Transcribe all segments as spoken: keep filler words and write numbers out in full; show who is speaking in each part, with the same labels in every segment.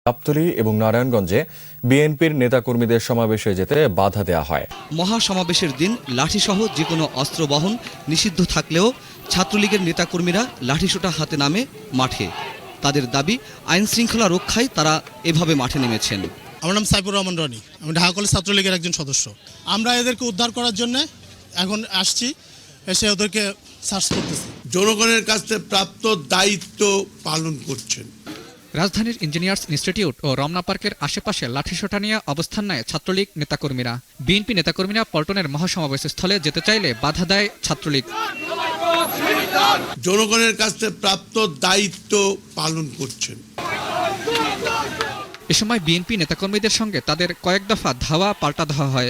Speaker 1: গাবতলী এবং নারায়ণগঞ্জে বিএনপির নেতাকর্মীদের সমাবেশে যেতে বাধা দেওয়া হয়।
Speaker 2: মহাসমাবেশের দিন লাঠিসহ যে কোনো অস্ত্র বহন নিষিদ্ধ থাকলেও ছাত্রলীগের নেতাকর্মীরা লাঠিসোঁটা হাতে নামে মাঠে। তাদের দাবি, আইন শৃঙ্খলা রক্ষায় তারা এভাবে মাঠে নেমেছেন।
Speaker 3: আমার নাম সাইফুর রহমান রনি, আমি ঢাকা কলেজ ছাত্রলীগের একজন সদস্য। আমরা এদেরকে উদ্ধার করার জন্য এখন আসছি, এসে ওদেরকে সার্চ করতেছি।
Speaker 4: জনগণের কাছে প্রাপ্ত দায়িত্ব পালন করছেন।
Speaker 5: রাজধানীর ইঞ্জিনিয়ার্স ইনস্টিটিউট ও রমনা পার্কের আশেপাশে লাঠিসোঁটা নিয়ে অবস্থান নেয় ছাত্রলীগ নেতাকর্মীরা। বিএনপি নেতাকর্মীরা পল্টনের মহাসমাবেশ স্থলে যেতে চাইলে বাধা দেয় ছাত্রলীগ।
Speaker 4: জনগণের কাছে প্রাপ্ত দায়িত্ব পালন করছেন।
Speaker 5: এ সময় বিএনপি নেতাকর্মীদের সঙ্গে তাদের কয়েক দফা ধাওয়া পাল্টা ধাওয়া হয়।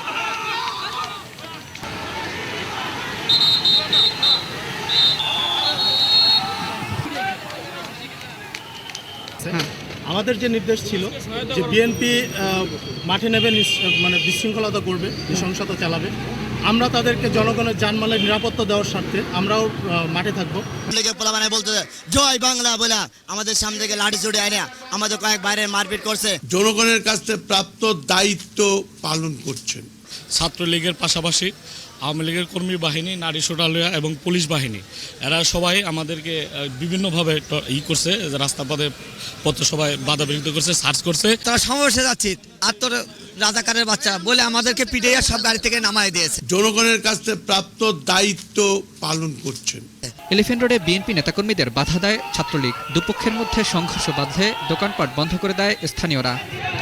Speaker 3: আমাদের যে নির্দেশ ছিল যে বিএনপি মাঠে নেবে, মানে বিশৃঙ্খলতা করবে, নৃশংসতা চালাবে, আমরা তাদেরকে জনগণের জানমালের নিরাপত্তা দেওয়ার স্বার্থে আমরাও মাঠে থাকবো।
Speaker 6: মানে বলতে জয় বাংলা বলে আমাদের সামনে থেকে লাঠি ছুটে আনে আমাদের কয়েক বাইরে মারপিট করছে।
Speaker 4: জনগণের কাছে প্রাপ্ত দায়িত্ব পালন করছেন।
Speaker 7: ছাত্রলীগের পাশাপাশি আওয়ামী লীগের কর্মী বাহিনী, নারী সোটালিয়া এবং পুলিশ বাহিনী, এরা সবাই আমাদেরকে বিভিন্নভাবে ই করছে, রাস্তা পথে পথে সবাই বাধা বিঘ্নিত করছে, সার্চ করছে।
Speaker 6: তারা সমাবেশে যাচ্ছি আর তোর রাজাকারের বাচ্চা বলে আমাদেরকে পিটিয়ে সব গাড়ি থেকে নামাই দিয়েছে।
Speaker 4: জনগণের কাছে প্রাপ্ত দায়িত্ব পালন করছেন।
Speaker 5: এলিফ্যান্ট রোডে বিএনপি নেতাকর্মীদের বাধা দেয় ছাত্রলীগ। দুপক্ষের মধ্যে সংঘর্ষ বাধলে দোকানপাট বন্ধ করে দেয় স্থানীয়রা।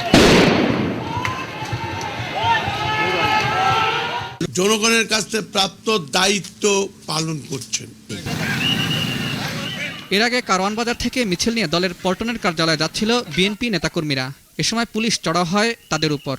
Speaker 4: জনগণের কাছে প্রাপ্ত দায়িত্ব পালন করছেন।
Speaker 5: এর আগে কারওয়ান বাজার থেকে মিছিল নিয়ে দলের পল্টনের কার্যালয়ে যাচ্ছিল বিএনপি নেতাকর্মীরা। এ সময় পুলিশ চড়াও হয় তাদের উপর।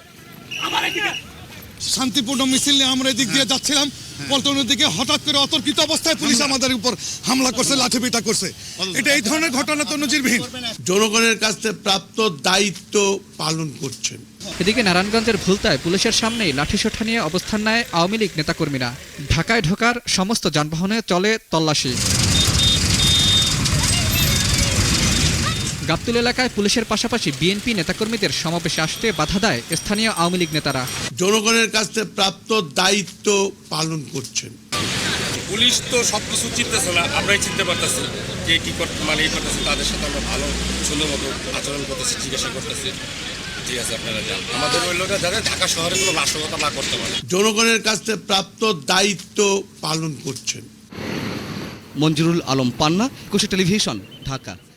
Speaker 8: শান্তিপূর্ণ মিছিল নিয়ে আমরা এদিক দিয়ে যাচ্ছিলাম, পল্টনের দিকে হঠাৎ করে অতর্কিত অবস্থায় পুলিশ আমাদের উপর হামলা করছে, লাঠিপিটা করছে। এটা এই ধরনের ঘটনা তো নজিরবিহীন।
Speaker 4: জনগণের কাছে প্রাপ্ত দায়িত্ব পালন করছেন।
Speaker 5: এদিকে নারায়ণগঞ্জের ভুলতায় পুলিশের সামনেই লাঠিসোঁটা নিয়ে অবস্থান নেয় আওয়ামী লীগ নেতাকর্মীরা। ঢাকায় ঢোকার সমস্ত যানবাহনে চলে তল্লাশি। গাবতলী এলাকায় পুলিশের পাশাপাশি বিএনপি নেতাকর্মীদের সমাবেশে আসতে বাধা দেয় স্থানীয় আওয়ামী লীগ নেতারা।
Speaker 4: জনগণের কাছে প্রাপ্ত দায়িত্ব পালন করছেন।
Speaker 9: পুলিশ তো সবকিছু চিনতেছে না, আমরাই চিনতে পারতেছি যে কি মানে এই করতেছে। তাদের সাথে আমরা ভালো সুন্দর মতো আচরণ করতেছি, জিজ্ঞাসা করতেছি। ঠিক আছে, আপনারা যান। আমাদের ওই লোকরা যাতে ঢাকা শহরে কোনো নাশকতা না করতে পারে।
Speaker 4: জনগণের কাছে প্রাপ্ত দায়িত্ব পালন করছেন।
Speaker 2: মঞ্জুরুল আলম পান্না, কুশি টেলিভিশন, ঢাকা।